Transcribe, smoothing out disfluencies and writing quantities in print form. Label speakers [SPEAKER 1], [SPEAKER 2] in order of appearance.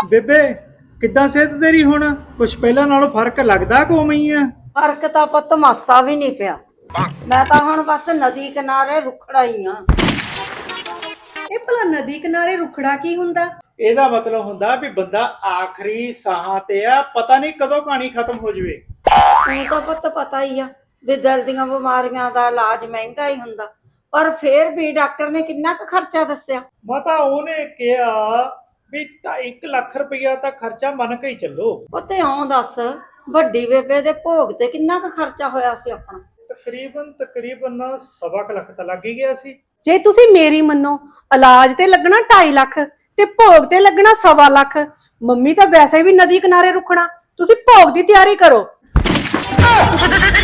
[SPEAKER 1] ਬੇਬੇ ਕਿੱਦਾਂ ਸਿਹਤ ਤੇਰੀ ਹੁਣ? ਕੁਛ ਪਹਿਲਾਂ ਨਾਲੋਂ ਫਰਕ ਲੱਗਦਾ ਕਿ ਉਵੇਂ ਹੀ ਆ?
[SPEAKER 2] ਫਰਕ ਤਾਂ ਪੁੱਤ ਮਾਸਾ ਵੀ ਨਹੀਂ ਪਿਆ। ਮੈਂ ਤਾਂ ਹੁਣ ਬਸ ਨਦੀ ਕਿਨਾਰੇ ਰੁਖੜਾ ਹੀ ਆ।
[SPEAKER 3] ਇਹ ਭਲਾ ਨਦੀ ਕਿਨਾਰੇ ਰੁਖੜਾ ਕੀ ਹੁੰਦਾ?
[SPEAKER 1] ਇਹਦਾ ਮਤਲਬ ਹੁੰਦਾ ਵੀ ਬੰਦਾ ਆਖਰੀ ਸਾਹਾਂ ਤੇ ਆ, ਪਤਾ ਨਹੀਂ ਕਦੋਂ ਕਹਾਣੀ ਖਤਮ ਹੋ ਜਵੇ।
[SPEAKER 2] ਤੈਨੂੰ ਤਾਂ ਪੁੱਤ ਪਤਾ ਹੀ ਆ ਵੀ ਦਿਲ ਦੀਆਂ ਬਿਮਾਰੀਆਂ ਦਾ ਇਲਾਜ ਮਹਿੰਗਾ ਹੀ ਹੁੰਦਾ, ਪਰ ਫੇਰ ਵੀ ਡਾਕਟਰ ਨੇ ਕਿੰਨਾ ਕੁ ਖਰਚਾ ਦੱਸਿਆ?
[SPEAKER 1] ਮਾਤਾ ਉਹਨੇ ਕਿਹਾ ਵੀ 1 ਲੱਖ ਰੁਪਇਆ ਤਾਂ ਖਰਚਾ ਮੰਨ ਕੇ ਹੀ ਚੱਲੋ।
[SPEAKER 2] ਪੁੱਤ ਇਉਂ ਦੱਸ, ਵੱਡੀ ਬੇਬੇ ਦੇ ਭੋਗ ਤੇ ਕਿੰਨਾ ਕੁ ਖਰਚਾ ਹੋਇਆ ਸੀ ਆਪਣਾ?
[SPEAKER 1] ਤਕਰੀਬਨ 1.25 ਲੱਖ ਤਾਂ ਲੱਗ ਹੀ ਗਿਆ ਸੀ।
[SPEAKER 3] ਜੇ ਤੁਸੀਂ ਮੇਰੀ ਮੰਨੋ, ਇਲਾਜ ਤੇ ਲੱਗਣਾ 2.5 ਲੱਖ ਤੇ ਭੋਗ ਤੇ ਲੱਗਣਾ 1.25 ਲੱਖ। ਮੰਮੀ ਤਾਂ ਵੈਸੇ ਵੀ ਨਦੀ ਕਿਨਾਰੇ ਰੁਕਣਾ, ਤੁਸੀਂ ਭੋਗ ਦੀ ਤਿਆਰੀ ਕਰੋ।